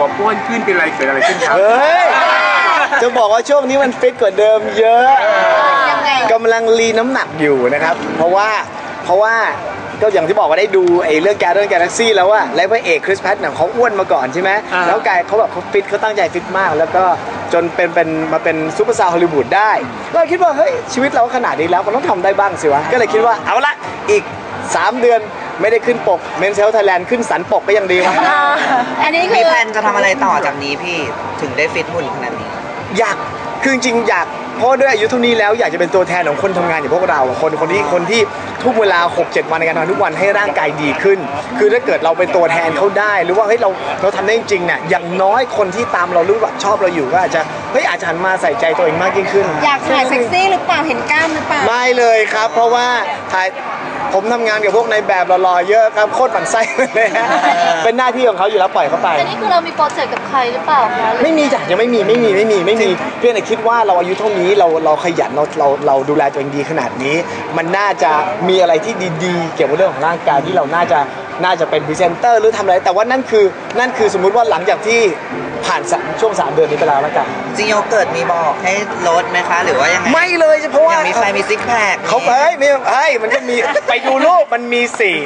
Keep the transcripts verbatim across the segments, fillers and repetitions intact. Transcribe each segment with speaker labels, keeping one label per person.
Speaker 1: บอกอ้วนขึ้นเป็นอะไรเกิดอะไรขึ้นครับ
Speaker 2: เฮ้ยจะบอกว่าช่วงนี้มันฟิตกว่าเดิมเยอะกำลังรีน้ำหนักอยู่นะครับเพราะว่าเพราะว่าก็อย่างที่บอกว่าได้ดูไอ้เรื่อง Guardians of the Galaxy แล้วว่าแล้วพระเอกคริสแพทเนี่ยเขาอ้วนมาก่อนใช่ไหมแล้วกายเขาแบบเขาฟิตเขาตั้งใจฟิตมากแล้วก็จนเป็นเป็นมาเป็นซูเปอร์สตาร์ฮอลลีวูดได้ก็คิดว่าเฮ้ยชีวิตเราขนาดนี้แล้วมันต้องทำได้บ้างสิวะก็เลยคิดว่าเอาละอีกสามเดือนไม่ได้ขึ้นปกเมนเซลไทยแลนด์ขึ้นสันปกก็ยังดีวะ
Speaker 3: อันนี้มีแผนจะทำอะไรต่อจากนี้พี่ถึงได้ฟิตหุ่นขนาดนี้
Speaker 2: อยากคือจริงๆอยากเพราะด้วยอายุเท่านี้แล้วอยากจะเป็นตัวแทนของคนทำงานอย่างพวกเราคนคนที่คนที่ทุ่มเวลา หกเจ็ด วันในการทำทุกวันให้ร่างกายดีขึ้นคือถ้าเกิดเราเป็นตัวแทนเขาได้หรือว่าเฮ้ยเราเราทำได้จริงๆเนี่ยอย่างน้อยคนที่ตามเรารู้ว่าชอบเราอยู่ก็อาจจะเฮ้ยอาจจะหันมาใส่ใจตัวเองมากยิ่งขึ้น
Speaker 4: อยากถ่ายเซ็กซี่หรือเปล่าเห็นกล้ามหรือเปล่า
Speaker 2: ไม่เลยครับเพราะว่าถ่ายผมทำงานกับพวกในแบบหล่อๆเยอะครับโคตรปั่นไส้เลยฮะเป็นหน้าที่ของเขาอยู่แล้วปล่อยเขาไป
Speaker 5: แต่นี่คือเรามีโปรเจกต์กับใครหรือเปล่าคะ
Speaker 2: ไม่มีจ้ะยังไม่มีไม่มีไม่มีไม่มีเพียงแต่คิดว่าเราอายุเท่านี้เราเราขยันเราเราเราดูแลตัวเองดีขนาดนี้มันน่าจะมีอะไรที่ดีๆเกี่ยวกับเรื่องของร่างกายที่เราน่าจะน่าจะเป็นพรีเซนเตอร์หรือทำอะไรแต่ว่านั่นคือนั่นคือสมมุติว่าหลังจากที่ผ่านช่วงสามเดือนนี้ไปแล้วแล้วกัน
Speaker 3: จริงโยเกิร์ตมีบอกให้ลดไหมคะหรือว่ายังไง
Speaker 2: ไม่เลยเพราะว่า
Speaker 3: ยังมีใครมีซิกแพค
Speaker 2: เขาเฮ้ยไม่เฮ้ยมันก็มีไปดูรูปมันมีสี่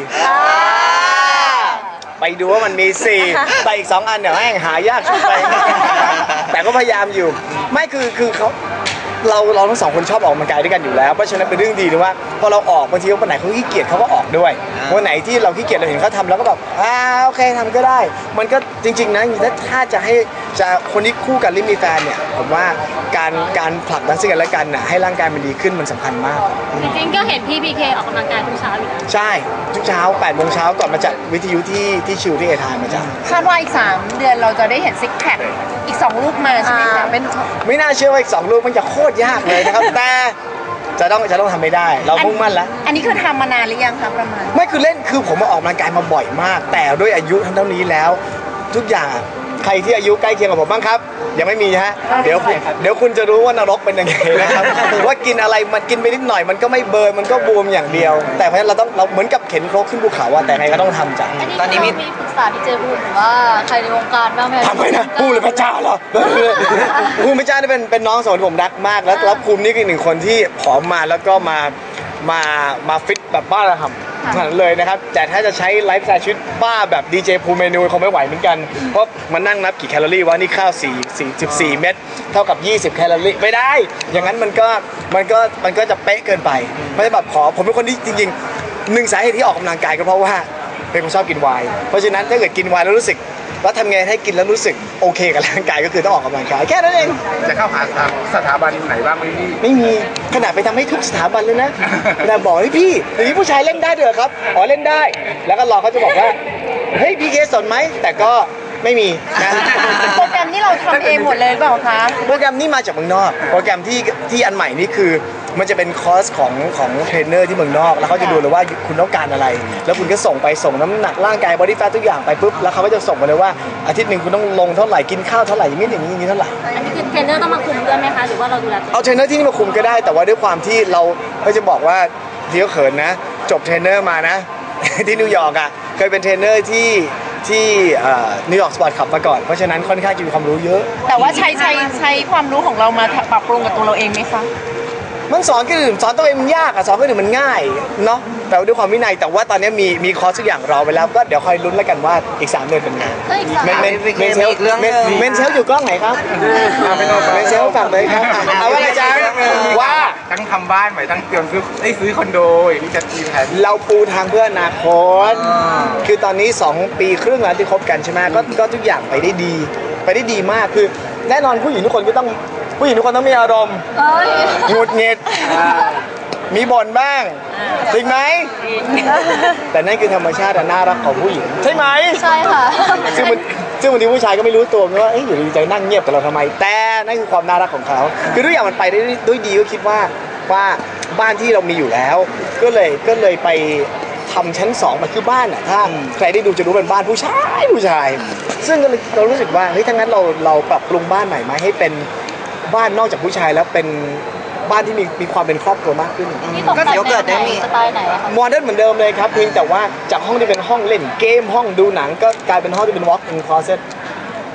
Speaker 2: ไปดูว่ามันมีสี่แต่อีกสองอันเดี๋ยวแม่งหายากชุดไปแต่ก็พยายามอยู่ไม่คือคือเขาเราเราทั้งสองคนชอบออกกำลังกายด้วยกันอยู่แล้วเพราะฉะนั้นเป็นเรื่องดีนะว่าพอเราออกบางทีวันไหนเขาขี้เกียจเขาก็ออกด้วยวันไหนที่เราขี้เกียจเราเห็นเขาทำแล้วก็แบบอ่าโอเคทำก็ได้มันก็จริงๆนะถ้าจะให้จะคนที่คู่กันหรือมีแฟนเนี่ยผมว่าการการผลักดันซึ่งกันและกันน่ะให้ร่างกายมันดีขึ้นมันสำคัญมาก
Speaker 5: จริงๆก็เห็นพี่พีเคออกกำลังกายทุกเช้าอยู่
Speaker 2: ใช่ทุกเช้าแปดโมงเช้าก่อนมาจัดวิทยุที่ที่ชิวที่เอทานมาจัด
Speaker 4: คาดว่าอีกสามเดือนเราจะได้เห็นซิกแพคอีกสองลูกมาใช่ไหมคะเป็น
Speaker 2: ไม่น่าเชื่อว่าอีกสองลูกมันจะโคตรยากเลยนะครับแต่จะต้องจะต้องทำไม่ได้เรามุ่งมั่นแล้ว
Speaker 4: อันนี้คือทำมานานหรือยังคะประมาณ
Speaker 2: ไม่คือเล่นคือผมมาออกกำลังกายมาบ่อยมากแต่ด้วยอายุเท่านี้แล้วทุกอย่างใครที่อายุใกล้เคียงกับผมบ้างครับยังไม่มีฮะเดี๋ยวเดี๋ยวคุณจะรู้ว่านรกเป็นยังไงนะครับว่ากินอะไรมันกินไปนิดหน่อยมันก็ไม่เบิร์นมันก็บวมอย่างเดียวแต่เพราะฉะนั้นเราต้องเราเหมือนกับเข็นครกขึ้นภูเขาอะแต่ไงก็ต้องทำจ้ะ
Speaker 5: ตอนนี้มีปรึกษาที่เจอพูดหรือว่าใครในวงการบ้างไหม
Speaker 2: ทำไมนะพูดเลยพระเจ้าเหรอภูมิพระเจ้านี่เป็นเป็นน้องสาวที่ผมรักมากแล้วแล้วภูมินี่คือหนึ่งคนที่ผอมมาแล้วก็มามามาฟิตแบบบ้าระห่ำนั่นเลยนะครับแต่ถ้าจะใช้ไลฟ์สไตล์ชีวิตบ้าแบบดีเจภูมิเมนูคงไม่ไหวเหมือนกันเพราะมันนั่งนับกี่แคลอรี่วะนี่ข้าวสี่ สี่สิบสี่เม็ดเท่ากับยี่สิบแคลอรี่ไม่ได้อย่างนั้นมันก็มันก็มันก็จะเป๊ะเกินไปไม่ใช่แบบขอผมเป็นคนที่จริงๆหนึ่งสาเหตุที่ออกกำลังกายก็เพราะว่าเป็นคนชอบกินไวน์เพราะฉะนั้นถ้าเกิดกินไวน์แล้วรู้สึกว่าทำไงให้กินแล้วรู้สึกโอเคกับร่างกายก็คือต้องออกกำลังกายแค่นั้นเอง
Speaker 1: จะเข้าหาสถาบันไหนบ้างไหมพี่
Speaker 2: ไม่มีขนาดไปทำให้ทุกสถาบันเลยนะแต่บอกให้พี่อย่างนี้ผู้ชายเล่นได้ด้วยครับอ๋อเล่นได้แล้วก็รอเขาจะบอกว่าเฮ้ยพี่เคสนไหมแต่ก็ไม่มีนะ
Speaker 4: โปรแกรมที่เราทำเองหมดเลยเปล่าคะ
Speaker 2: โปรแกรมนี้มาจากเมืองนอกโปรแกรมที่ที่อันใหม่นี่คือมันจะเป็นคอร์สของของเทรนเนอร์ที่เมืองนอกแล้วเขาจะดูเลยว่าคุณต้องการอะไรแล้วคุณก็ส่งไปส่งน้ำหนักร่างกายบอดี้แฟททุกอย่างไปปุ๊บแล้วเขาก็จะส่งมาเลยว่าอาทิตย์หนึ่งคุณต้องลงเท่าไหร่กินข้าวเท่าไหร่อย่างนี้อย่างนี้อย่างนี้เท่าไหร่
Speaker 5: อันนี้คือเทรนเนอร์ต้องมาคุมด้วยไหมคะหรือว่าเราดูแล
Speaker 2: เอาเทรนเนอร์ที่นี่มาคุมก็ได้แต่ว่าด้วยความที่เราก็จะบอกว่าที่เขาเขินนะจบเทรนเนอร์มานะที่นิวยอร์กอ่ะเคยเป็นเทรนเนอร์ที่ที่นิวยอร์กสปอร์ตคลับมาก่อนเพราะฉะนั้นค่อนข้างจะมีความรู้เยอะ
Speaker 4: แต่ว่าใช้ใช้ใช้ความรู้ของเรามาปรับปรุงกับตัวเราเองไหมคะ
Speaker 2: มันสอนคนอื่นสอนตัวเองมันยากอะสอนคนอื่นมันง่ายเนาะแต่ด้วยความวินัยแต่ว่าตอนนี้มีมีคอร์สทุกอย่างรอไปแล้วก็เดี๋ยวคอยลุ้นแล้วกันว่าอีกสามเดือนเป็นไง
Speaker 3: เมนเมนเมนเซลเรื่อง
Speaker 2: เมนเซลอยู่กล้องไหนครับเมนเซลฝากเลยครับเอาว่าอะไรจ๊ะว่า
Speaker 1: ทั้งทำบ้านใหม่ทั้งเตรียมซื้อไอ้ซื้อคอนโดอย่างนี้จะมีแผน
Speaker 2: เราปูทางเพื่ออนาคตคือตอนนี้สองปีครึ่งแล้วที่คบกันใช่ไหมก็ก็ทุกอย่างไปได้ดีไปได้ดีมากคือแน่นอนผู้หญิงทุกคนก็ต้องผู้หญิงทุกคนต้องมีอารมณ์หงุดหงิดมีบ่นบ้างจริงไหมแต่นั่นคือธรรมชาติน่ารักของผู้หญิงใช่ไหม
Speaker 5: ใช่ค่ะ
Speaker 2: ซึ่งมันซึ่งบางทีผู้ชายก็ไม่รู้ตัวว่าเอ๊ะอยู่ดีใจนั่งเงียบกับเราทำไมแต่นั่นคือความน่ารักของเขาคือทุกอย่างมันไปได้ด้วยดีก็คิดว่าว่าบ้านที่เรามีอยู่แล้วก็เลยก็เลยไปทำชั้นสองมันคือบ้านอ่ะถ้าใครได้ดูจะรู้เป็นบ้านผู้ชายผู้ชายซึ่งเรารู้สึกว่าเฮ้ยถ้างั้นเราเราปรับปรุงบ้านใหม่ไหมให้เป็นบ้านนอกจากผู้ชายแล้วเป็นบ้านที่มีมีความเป็นครอบครัวมากขึ้น
Speaker 5: ก็เดี๋ยวเกิดได้มีสไตล์ไหนคะ
Speaker 2: โมเดิร์นเหมือนเดิมเลยครับเพียงแต่ว่าจากห้องที่เป็นห้องเล่นเกมห้องดูหนังก็กลายเป็นห้องที่เป็น walk in closet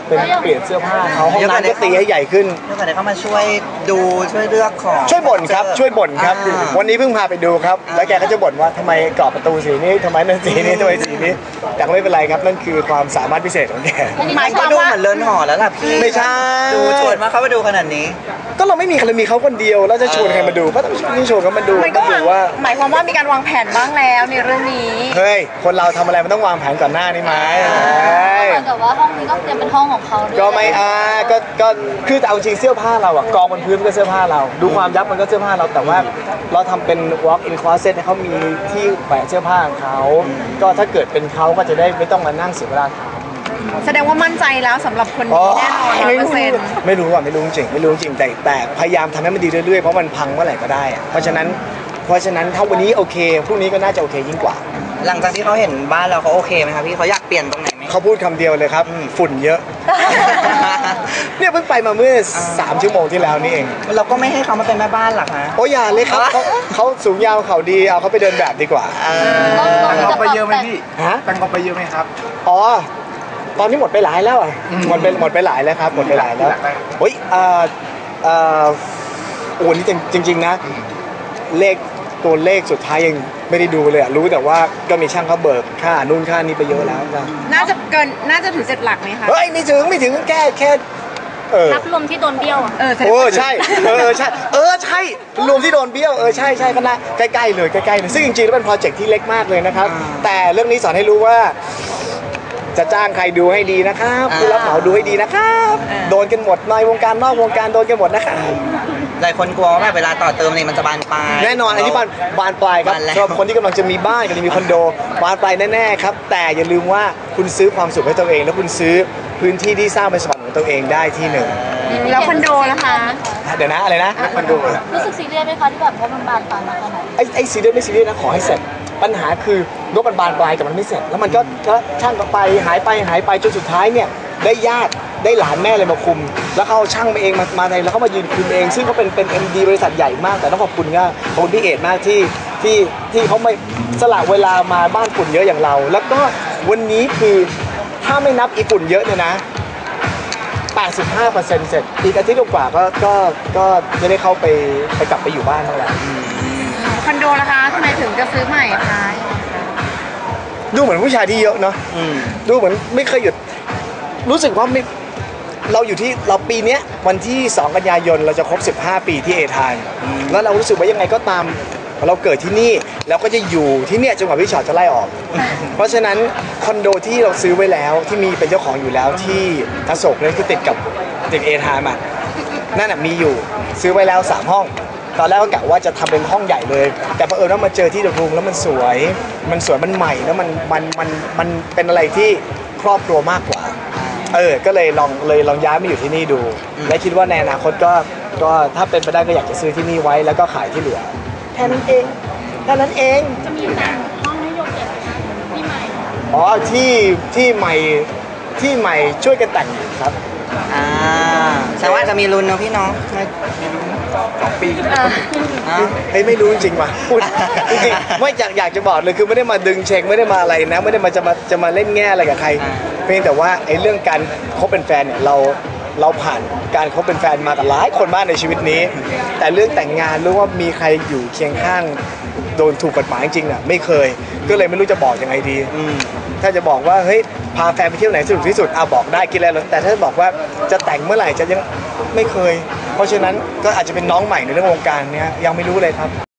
Speaker 2: เป็นเปลี่ยนเสื้อผ้าเขาห้องน้ำก็ตีให้ใหญ่ขึ้น
Speaker 3: แล้วก็ได้เข้ามาช่วยดูช่วยเลือกของ
Speaker 2: ช่วยบ่นครับช่วยบ่นครับ
Speaker 3: อ่า
Speaker 2: วันนี้เพิ่งพาไปดูครับ
Speaker 3: อ่า
Speaker 2: แล้วแกก็จะบ่นว่าทำไมกรอบประตูสีนี้ทำไมนั่นสีนี้ทำไมสีนี้แต่ก็ไม่เป็นไรครับนั่นคือความสามารถพิเศษของแก
Speaker 4: หมายค
Speaker 3: ก็
Speaker 4: วาม
Speaker 3: ดู
Speaker 4: ว่า
Speaker 3: เหมือนเลินหอแล้วล่ะพี่
Speaker 2: ไม่ใช่
Speaker 3: ดูชวนมาเข้ามาดูขนาดนี้
Speaker 2: ก็เราไม่มีใครเรามีเขาคนเดียวแล้วจะชวนใครมาดูก็ต้องชวนเขามาดู
Speaker 4: มันก็
Speaker 2: ก็
Speaker 4: วา
Speaker 2: ดู
Speaker 4: ง
Speaker 2: ว่า
Speaker 4: หมายความว่ามีการวางแผนบ้างแล้วในเรื่องนี้
Speaker 2: เฮ้ยคนเราทำอะไรมันต้องวางแผนก่อนหน้านี้ไหมเฮ้ย
Speaker 5: เหมือนกับว่าห้องนี้ก็เตรียมเป็นห้องของเขาด้วย
Speaker 2: ก็ไม่อ่าก็ก็คือแต่เอาจริงเสื้อผ้าเราอะกองบนพื้นมันก็เสื้อผ้าเรา ดูความยับมันก็เสื้อผ้าเราแต่ว่าเราทำเป็น walk in closet ให้เขามีที่แขวนเสื้อผ้าของเขาก็ถ้าเกิดเป็นเขาก็จะได้ไม่ต้องมานั่งเสียเวลาถาม
Speaker 4: แสดงว่ามั่นใจแล้วสำหรับคนนี้แน่นอนร้อย
Speaker 2: ไม่
Speaker 4: เปอ
Speaker 2: รู้
Speaker 4: ร์เซ็นต์
Speaker 2: ไม่รู้อ่ะไม่รู้จริงไม่รู้จริงแต่แต่พยายามทำให้มันดีเรื่อยๆเพราะมันพังเมื่อไหร่ก็ได้อะเพราะฉะนั้นเพราะฉะนั้นถ้าวันนี้โอเคพรุ่งนี้ก็น่าจะโอเคยิ่งกว่า
Speaker 3: หลังจากที่เขาเห็นบ้านเราเขาโอเคไหมครับพี่เขาอยากเปลี่ยนตรงไหนไหม
Speaker 2: เขาพูดคำเดียวเลยครับฝุ่นเยอะ เนี่ยเพิ่งไปมาเมื่อสามชั่วโมงที่แล้วนี่เอง
Speaker 3: เราก็ไม่ให้เขามาเป็นแม่บ้านหรอกฮะ
Speaker 2: โอ้ยอย่าเลยครับเขาเขาสูงยาวเขาดีเอาเขาไปเดินแบบดีกว่า
Speaker 1: ตังค์เอาไปเยอะไหมพี่
Speaker 2: ฮะ
Speaker 1: ตังค์เอาไปเยอะไหมครับ
Speaker 2: อ๋อตอนนี้หมดไปหลายแล้วอ่ะ
Speaker 1: อืม
Speaker 2: หมดไปหมดไปหลายแล้วครับหมดไปหลายแล้ว
Speaker 1: หลักได้
Speaker 2: โอ้ยเอ่อเอ่อโอ้นี่จริงจริง ๆนะ เลขตัวเลขสุดท้ายยังไม่ได้ดูเลยอะรู้แต่ว่าก็มีช่างเขาเบิกค่านู่นค่านี้ไปเยอะแล้วนะ
Speaker 4: น่าจะเกินน่าจะถึงเจ็ดหลักไหมคะ
Speaker 2: เฮ้ยไม่ถึงไม่ถึงแค่แค่เออ
Speaker 5: นับรวมที่โดนเบี้ยวอะ
Speaker 4: เออแสดง
Speaker 2: โอ้
Speaker 4: ว่า
Speaker 2: ใช่เออใช่เออใช่รวมที่โดนเบี้ยวเออใช่ใช่ก็น่าใกล้ๆเลยใกล้ๆเลยซึ่งจริงๆแล้วเป็นโปรเจกต์ที่เล็กมากเลยนะครับ แต่เรื่องนี้สอนให้รู้ว่า จะจ้างใครดูให้ดีนะครับผู้รับเหมาดูให้ดีนะครับโดนกันหมดในวงการนอกวงการโดนกันหมดนะครับ
Speaker 3: หลายคนกลัวว่าแบบเวลาต่อเติมเนี่ยมันจะบานปลาย
Speaker 2: แน่นอนอันนี้บานบานปลายครับ
Speaker 3: บานแล้ว
Speaker 2: สำหรับคนที่กำลังจะมีบ้านกำลังมีคอนโดบานปลายแน่ๆครับแต่อย่าลืมว่าคุณซื้อความสุขให้ตัวเอง แล้วคุณซื้อพื้นที่ที่สร้างเป็นสวรรค์ของตัวเองได้ที่หนึ่ง
Speaker 4: แล้วคอนโดนะคะ
Speaker 2: เดี๋ยวนะอะไรนะคอนโด
Speaker 5: รู้สึกซีเรียสไหมคะที่แบบว่ามันบานปลายมาขนาดนี้
Speaker 2: ไอ้ไอ้ซีเรียสไม่ซีเรียสนะขอให้เสร็จปัญหาคือนกมันบานปลายแต่มันไม่เสร็จ แล้วมันก็ก็ช่างก็ไปหายไปหายไปจนสุดท้ายเนี่ยได้ญาติได้หลานแม่เลยมาคุม แล้วเขาเอาช่างมาเองมามาในแล้วเขามายืนคุมเอง ซึ่งเขาเป็นเป็น เอ็ม ดี บริษัทใหญ่มาก แต่ต้องขอบคุณก็ขอบคุณพี่เอกมากที่ที่ที่เขาไม่สละเวลามาบ้านฝุ่นเยอะอย่างเรา แล้วก็วันนี้คือถ้าไม่นับอีฝุ่นเยอะเนี่ยนะแปดสิบห้าเปอร์เซ็นต์เสร็จอีกอาทิตย์กว่าก็ก็ก็จะได้เข้าไปไปกลับไปอยู่บ้านแล้วแหละ
Speaker 4: คอนโดนะคะทำไมถึงจะซื้อใหม่คะ
Speaker 2: ดูเหมือนผู้ชายที่เยอะเนาะ
Speaker 3: อืม
Speaker 2: ดูเหมือนไม่เคยหยุดรู้สึกว่าไม่เราอยู่ที่เราปีเนี้ยวันที่สองกันยายนเราจะครบสิบห้าปีที่เอทานแล้วเรารู้สึกว่ายังไงก็ตามเราเกิดที่นี่เราก็จะอยู่ที่เนี่ยจนกว่าพี่ชอตจะไล่ออก เพราะฉะนั้นคอนโดที่เราซื้อไว้แล้วที่มีเป็นเจ้าของอยู่แล้วที่อโศกเนี่ยคือติดกับติดเอทานมานั่นน่ะมีอยู่ซื้อไว้แล้วสามห้อง ตอนแรกก็กะว่าจะทำเป็นห้องใหญ่เลย แต่เผอิญว่ามาเจอที่เดอะรูมแล้วมันสวย มันสวยมันใหม่แล้วมันมันมันมันเป็นอะไรที่ครอบครัวมากกว่า เออ ก็เลยลองเลยลองย้ายมาอยู่ที่นี่ดู และคิดว่าในอนาคตก็ก็ถ้าเป็นไปได้ก็อยากจะซื้อที่นี่ไว้แล้วก็ขายที่เหลือแค่นั้นเองแค่นั้นเอง
Speaker 5: จะมีแต่งห้องให้โยกเก็บที่ใหม่
Speaker 2: อ๋อที่ที่ใหม่ที่ใหม่ช่วยกันแต่งครับ
Speaker 3: อ่าแสดงว่าจะมีลุ้นเนาะพี่เนาะ
Speaker 1: สองปี
Speaker 3: อ่า
Speaker 2: เฮ้ยไม่รู้จริงๆว่ะพูดจริงๆไม่อยากอยากจะบอกเลยคือไม่ได้มาดึงเช็คไม่ได้มาอะไรนะไม่ได้มาจะมาจะมาเล่นแง่อะไรกับใคร เพียงแต่ว่าไอ้เรื่องการคบเป็นแฟนเนี่ยเราเราผ่านการคบเป็นแฟนมากับหลายคนมากในชีวิตนี้ แต่เรื่องแต่งงานหรือว่ามีใครอยู่เคียงข้างโดนถูกกฎหมายจริงๆน่ะไม่เคย ก็เลยไม่รู้จะบอกยังไงดี
Speaker 3: อืม
Speaker 2: ถ้าจะบอกว่าเฮ้ยพาแฟนไปเที่ยวไหนสนุกที่สุดอ่ะบอกได้กินอะไรแล้วแต่ถ้าบอกว่าจะแต่งเมื่อไหร่จะยังไม่เคย เพราะฉะนั้นก็อาจจะเป็นน้องใหม่ในเรื่องวงการเนี้ยยังไม่รู้เลยครับ